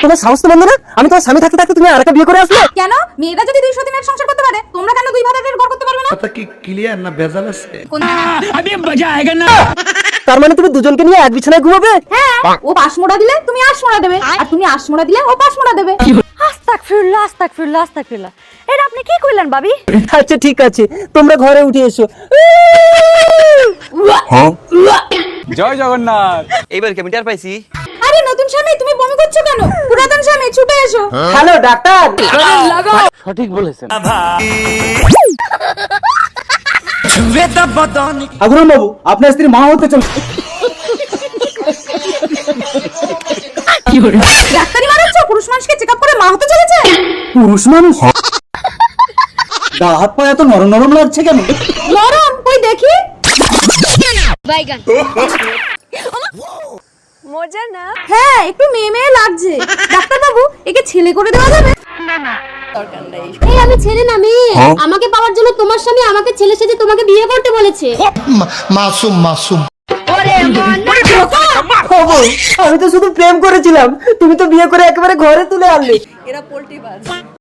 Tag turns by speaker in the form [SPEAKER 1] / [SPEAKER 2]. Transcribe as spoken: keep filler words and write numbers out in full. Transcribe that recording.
[SPEAKER 1] তোমার সাহস তো বন্ধ না? আমি তোমার স্বামী থাকতে থাকতে তুমি আরেকটা বিয়ে করে আসলে
[SPEAKER 2] কেন মেয়েরা যদি দুইশো দিনের সংসার করতে পারে তোমরা কেন দুই ভাড়াটের ঘর করতে পারবে না?
[SPEAKER 3] কথা কি ক্লিয়ার না ভেজাল আছে?
[SPEAKER 4] अभी मजा आएगा ना।
[SPEAKER 1] তার মানে তুমি দুজনকে নিয়ে এক বিছানায় ঘুমাবে?
[SPEAKER 2] হ্যাঁ, ও পাশ মোড়া দিলে তুমি আশ মোড়া দেবে, আর তুমি আশ মোড়া দিলে ও পাশ মোড়া দেবে।
[SPEAKER 5] আস্তাগফিরুল্লাহ আস্তাগফিরুল্লাহ আস্তাগফিরুল্লাহ। এটা আপনি কি কইলেন ভাবি?
[SPEAKER 1] আচ্ছা ঠিক আছে, তোমরা ঘরে উঠে এসো।
[SPEAKER 6] জয় জগন্নাথ।
[SPEAKER 7] এইবার কি আমি টের পাইছি?
[SPEAKER 2] আরে নতুন স্বামী তুমি বমি করছো কেন? পুরাতন স্বামী ছুটে এসো।
[SPEAKER 1] Hello doctor.
[SPEAKER 6] সঠিক বলেছেন।
[SPEAKER 1] আগুরন বাবু, আপনার স্ত্রী মা হতে চল।
[SPEAKER 2] ডাক্তারি মারাচ্ছ? পুরুষ মানুষকে চেকআপ করে মা হতে চলেছে?
[SPEAKER 1] পুরুষ মানুষ? গা হাত পা এত নরম নরম লাগছে কেন?
[SPEAKER 2] নরম কই দেখি।
[SPEAKER 5] মজা না?
[SPEAKER 2] হ্যাঁ একটু মেয়ে মেয়ে লাগছে। ডাক্তার বাবু একে ছেলে করে দেওয়া যাবে?
[SPEAKER 8] এই আমি ছেলে না মেয়ে। আমাকে পাওয়ার জন্য তোমার স্বামী আমাকে ছেলে সেজে তোমাকে বিয়ে করতে বলেছে।
[SPEAKER 3] মাসুম মাসুম
[SPEAKER 1] আমি তো শুধু প্রেম করেছিলাম, তুমি তো বিয়ে করে একেবারে ঘরে তুলে আনলে।
[SPEAKER 5] এরা পোল্ট্রি বাজ।